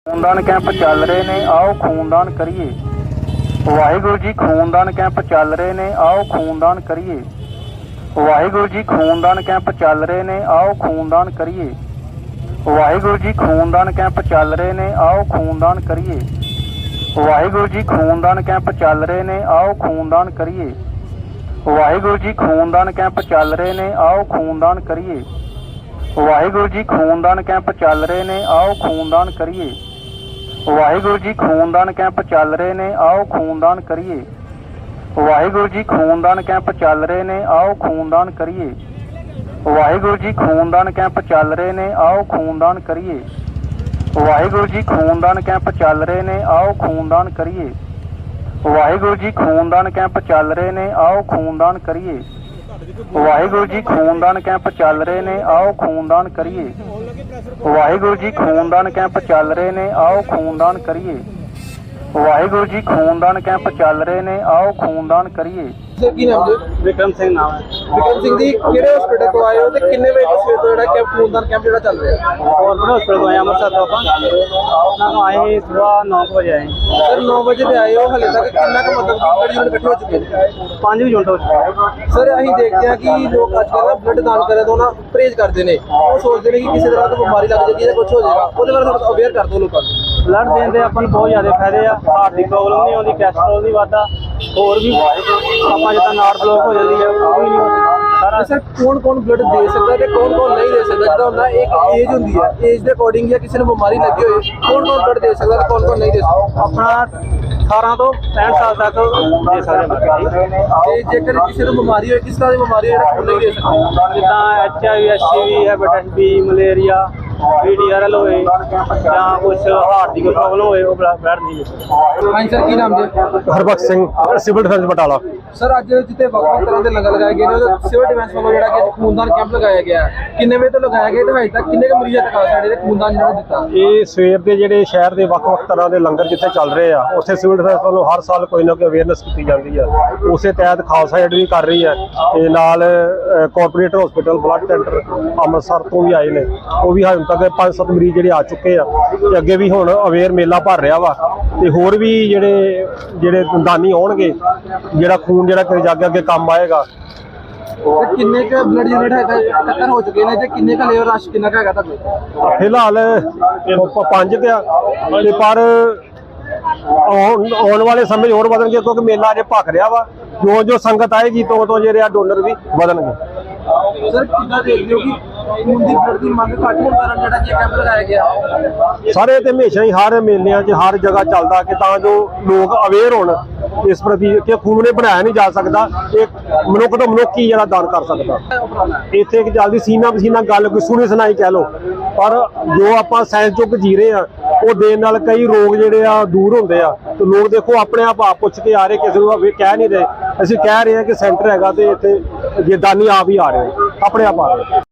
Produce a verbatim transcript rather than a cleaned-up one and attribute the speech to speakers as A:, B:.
A: खूनदान camp चल रहे ने, आओ खूनदान करिए। वाहिगुरु जी खूनदान कैंप चल रहे ने, आओ खूनदान करिए। वाहिगुरु जी खूनदान कैंप चल रहे ने, आओ खूनदान करिए। वाहिगुरु जी खूनदान कैंप चल रहे ने, आओ खूनदान करिए। वाहिगुरु जी खूनदान कैंप चल रहे ने, आओ खूनदान करिए। वाहिगुरु जी खूनदान कैंप चल रहे ने, आओ खूनदान करिए। वाहिगुरु जी खूनदान कैंप चल रहे ने, आओ खूनदान करिए। वाहिगुरु जी खूनदान कैंप चल रहे ने, आओ खूनदान करिए। वाहिगुरु जी खूनदान कैंप चल रहे ने, आओ खूनदान करिए। वाहिगुरु जी खूनदान कैंप चल रहे ने, आओ खूनदान करिए। वाहिगुरु जी खूनदान कैंप चल रहे ने, आओ खूनदान करिए। वाहिगुरु जी खूनदान कैंप चल रहे ने, आओ खूनदान करिए। वाहिगुरु जी खूनदान कैंप चल रहे ने, आओ खूनदान करिए। वाहिगुरु जी खूनदान कैंप चल रहे ने, आओ खूनदान करिए। वाहिगुरु जी खूनदान कैंप चल रहे ने, आओ खूनदान करिए।
B: ਕੀ ਨਾਮ ਜੀ?
A: विक्रम सिंह नाम है।
B: ਵਿਕਰਮ ਸਿੰਘ ਜੀ ਕਿਹੜੇ ਹਸਪੀਟਲ ਤੋਂ ਆਏ ਹੋ ਤੇ ਕਿੰਨੇ ਵਜੇ ਤੋਂ ਸਵੇਰ ਤੋਂ ਜਿਹੜਾ ਕੈਂਪ ਖੂਨਦਾਨ ਕੈਂਪ ਜਿਹੜਾ ਚੱਲ ਰਿਹਾ ਹੈ?
A: और हॉस्पिटल तो आए अमृतसर तो अपन ना आए सुबह नौ बजे आए।
B: ਸਰ ਨੌ ਵਜੇ ਤੇ ਆਏ ਹੋ, ਹਲੇ ਤੱਕ ਕਿੰਨਾ ਕੁ ਮਤਲਬ ਕਿ ਬਲੱਡ ਯੂਨਿਟ ਇਕੱਠੇ ਹੋ ਚੁੱਕੇ ਨੇ?
A: पाँच भी घंटे हो चुके।
B: ਸਰ ਅਸੀਂ ਦੇਖਦੇ ਹਾਂ ਕਿ ਲੋਕ ਅੱਜ ਕੱਲ੍ਹ ਨਾ ਬਲੱਡ ਦਾਨ ਕਰਨ ਤੋਂ ਨਾ ਪਰਹੇਜ਼ ਕਰਦੇ ਨੇ। ਉਹ ਸੋਚਦੇ ਨੇ ਕਿ ਕਿਸੇ ਤਰ੍ਹਾਂ ਦੀ ਬਿਮਾਰੀ ਲੱਗ ਜਾਏਗੀ ਜਾਂ ਕੁਝ ਹੋ ਜਾਏਗਾ। ਉਹਦੇ ਬਾਰੇ ਥੋੜਾ ਅਵੇਅਰ ਕਰ ਦਿਓ ਲੋਕਾਂ ਨੂੰ।
A: ब्लड देने ਦੇ ਆਪਾਂ ਨੂੰ ਬਹੁਤ ਜ਼ਿਆਦਾ ਫਾਇਦੇ ਆ। ਹਾਰਟ ਦੀ ਪ੍ਰੋਬਲਮ ਨਹੀਂ ਆਉਂਦੀ, ਕੈਸਟਰੋਲ ਨਹੀਂ ਵੱਧਦਾ, ਹੋਰ ਵੀ ਆਪਾਂ ਜਿੱਦਾਂ ਨਾੜ ਬਲੌਕ ਹੋ ਜਾਂਦੀ ਹੈ ਉਹ ਵੀ ਨਹੀਂ ਹੁੰਦੀ ਸਾਰਾ।
B: ਸਰ ਕੌਣ ਕੌਣ ਬਲੱਡ ਦੇ ਸਕਦਾ ਤੇ ਕੌਣ ਕੌਣ ਨਹੀਂ ਦੇ ਸਕਦਾ? ਜਿੱਦਾਂ ਹੁੰਦਾ ਇੱਕ ਏਜ ਹੁੰਦੀ ਹੈ, ਏਜ ਦੇ ਅਕੋਰਡਿੰਗ ਜਾਂ ਕਿਸੇ ਨੂੰ ਬਿਮਾਰੀ ਲੱਗੀ ਹੋਏ ਕੌਣ ਕੌਣ ਬਲੱਡ ਦੇ ਸਕਦਾ ਤੇ ਕੌਣ ਕੌਣ ਨਹੀਂ ਦੇ ਸਕਦਾ?
A: ਆਪਣਾ ਅਠਾਰਾਂ ਤੋਂ ਪੈਂਹਠ ਸਾਲ ਤੱਕ ਦੇ ਸਕਦੇ ਹਾਂ।
B: ਤੇ ਜੇਕਰ ਕਿਸੇ ਨੂੰ ਬਿਮਾਰੀ ਹੋਏ, ਕਿਸ ਤਰ੍ਹਾਂ ਦੀ ਬਿਮਾਰੀ ਹੋਏ ਜਿਹੜਾ ਨਹੀਂ ਦੇ ਸਕਦਾ?
A: ਜਿੱਦਾਂ H I V, S C V, hepatitis B, malaria, P D R L ਹੋਏ ਜਾਂ ਕੁਛ ਹਾਰਟ ਦੀ ਕੋਈ ਪ੍ਰੋਬਲਮ ਹੋਏ ਉਹ ਬਲੱਡ ਨਹੀਂ ਦੇ ਸਕਦੇ।
B: ਹਾਂਜੀ ਸਰ, ਕੀ ਨਾਮ ਜੀ?
C: Harbakhsh Singh, civil defence Batala.
B: Sir ਅੱਜ ਜਿੱਥੇ ਵੱਖ-ਵੱਖ ਤਰ੍ਹਾਂ ਦੇ ਲੰਗਰ ਲਗਾਏ ਗਏ ਨੇ ਉਹਦੇ ਸਿਵਲ ਡਿਫੈਂਸ ਵੱਲੋਂ ਜਿਹੜਾ ਕਿ ਖੂਨਦਾਨ ਕੈਂਪ ਲਗਾਇਆ ਗਿਆ ਹੈ, ਕਿੰਨੇ ਵਜੇ ਤੋਂ ਲਗਾਇਆ ਗਿਆ ਤੇ ਹਜੇ ਤੱਕ ਕਿੰਨੇ ਕੁ ਮਰੀਜ਼ਾਂ ਤੱਕ ਆ ਸਾਡੇ ਦੇ ਖੂਨਦਾਨ ਜਿਹੜਾ ਦਿੱਤਾ?
C: ਇਹ ਸਵੇਰ ਦੇ ਜਿਹੜੇ ਸ਼ਹਿਰ ਦੇ ਵੱਖ-ਵੱਖ ਤਰ੍ਹਾਂ ਦੇ ਲੰਗਰ ਜਿੱਥੇ ਚੱਲ ਰਹੇ ਆ ਉੱਥੇ ਸਿਵਲ ਡਿਫੈਂਸ ਵੱਲੋਂ ਹਰ ਸਾਲ ਕੋਈ ਨਾ ਕੋਈ ਅਵੇਅਰਨੈਸ ਕੀਤੀ ਜਾਂਦੀ ਆ। ਉਸੇ ਤਹਿਤ ਖਾਲਸਾ ਏਡ ਵੀ ਕਰ ਰਹੀ ਹੈ ਤੇ ਨਾਲ corporate hospital blood centre Amritsar ਤੋਂ ਵੀ ਆਏ ਨੇ। ਉਹ ਵੀ ਹੁਣ ਤੱਕ ਪੰਜ ਸੱਤ ਮਰੀਜ਼ ਜਿਹੜੇ ਆ ਚੁੱਕੇ ਆ ਤੇ ਅੱਗੇ ਵੀ ਹੁਣ ਅਵੇਅਰ ਮੇਲਾ ਭਰ ਰਿਹਾ ਵਾ ਤੇ ਹੋਰ ਵੀ ਜਿਹੜੇ ਜਿਹੜੇ ਦਾਨੀ ਆਉਣਗੇ, ਜਿਹੜਾ ਖੂਨ ਜਿਹੜਾ ਕਿ ਅੱਗੇ ਅੱਗੇ ਕੰਮ ਆਏਗਾ।
B: ਤੇ ਕਿੰਨੇ ਕੁ ਬਲੱਡ ਯੂਨਿਟ ਹੈਗਾ ਟੱਕਰ ਹੋ ਚੁੱਕੇ ਨੇ ਤੇ ਕਿੰਨੇ ਕੁ ਲੇਵਰ ਰਸ਼ ਕਿੰਨਾ ਕੁ ਹੈਗਾ ਤੁਹਾਡੇ?
C: ਫਿਲਹਾਲ ਪ- ਪੰਜ ਤੇ ਆ ਤੇ ਪਰ ਆਉਣ ਆਉਣ ਵਾਲੇ ਸਮੇਂ 'ਚ ਹੋਰ ਵਧਣਗੇ ਕਿਉਂਕਿ ਮੇਲਾ ਅਜੇ ਭਖ ਰਿਹਾ ਵਾ। ਜੋ ਜੋ ਸੰਗਤ ਆਏਗੀ ਤੋਂ ਤੋਂ ਜਿਹੜੇ ਆ ਡੋਨਰ ਵੀ ਵਧਣਗੇ।
B: ਸਰ ਕਿੰਨਾ ਦੇਖਦੇ ਹੋ ਕਿ ਖੂਨ ਦੀ ਬਲੱਡ ਦੀ ਮੰਗ ਘੱਟ ਹੋਣ ਕਾਰਨ ਜਿਹੜਾ ਕਿ ਕੈਂਪ ਲਗਾਇਆ ਗਿਆ?
C: ਸਾਰੇ ਤੇ ਹਮੇਸ਼ਾ ਹੀ ਹਰ ਮੇਲਿਆਂ 'ਚ ਹਰ ਜਗ੍ਹਾ ਚੱਲਦਾ ਕਿ ਤਾਂ ਜੋ ਲੋਕ ਅਵੇਅਰ ਹੋਣ ਇਸ ਪ੍ਰਤੀ ਕਿ ਖੂਨ ਨੇ ਬਣਾਇਆ ਨਹੀਂ ਜਾ ਸਕਦਾ, ਇਹ ਮਨੁੱਖ ਤੋਂ ਮਨੁੱਖ ਹੀ ਜਿਹੜਾ ਦਾਨ ਕਰ ਸਕਦਾ। ਇੱਥੇ ਇੱਕ ਜਲਦੀ ਸੀਨਾ ਪਸੀਨਾ ਗੱਲ ਕੋਈ ਸੁਣੀ ਸੁਣਾਈ ਕਹਿ ਲਓ, ਪਰ ਜੋ ਆਪਾਂ ਸਾਇੰਸ ਯੁੱਗ ਜੀ ਰਹੇ ਆ ਉਹ ਦੇਣ ਨਾਲ ਕਈ ਰੋਗ ਜਿਹੜੇ ਆ ਦੂਰ ਹੁੰਦੇ ਆ। ਤੇ ਲੋਕ ਦੇਖੋ ਆਪਣੇ ਆਪ ਆਪ ਪੁੱਛ ਕੇ ਆ ਰਹੇ, ਕਿਸੇ ਨੂੰ ਕਹਿ ਨਹੀਂ ਰਹੇ। ਅਸੀਂ ਕਹਿ ਰਹੇ ਹਾਂ ਕਿ ਸੈਂਟਰ ਹੈਗਾ ਤੇ ਇੱਥੇ ਜੇ ਦਾਨੀ ਆਪ ਹੀ ਆ ਰਹੇ ਆਪਣੇ ਆਪ ਆ ਰਹੇ।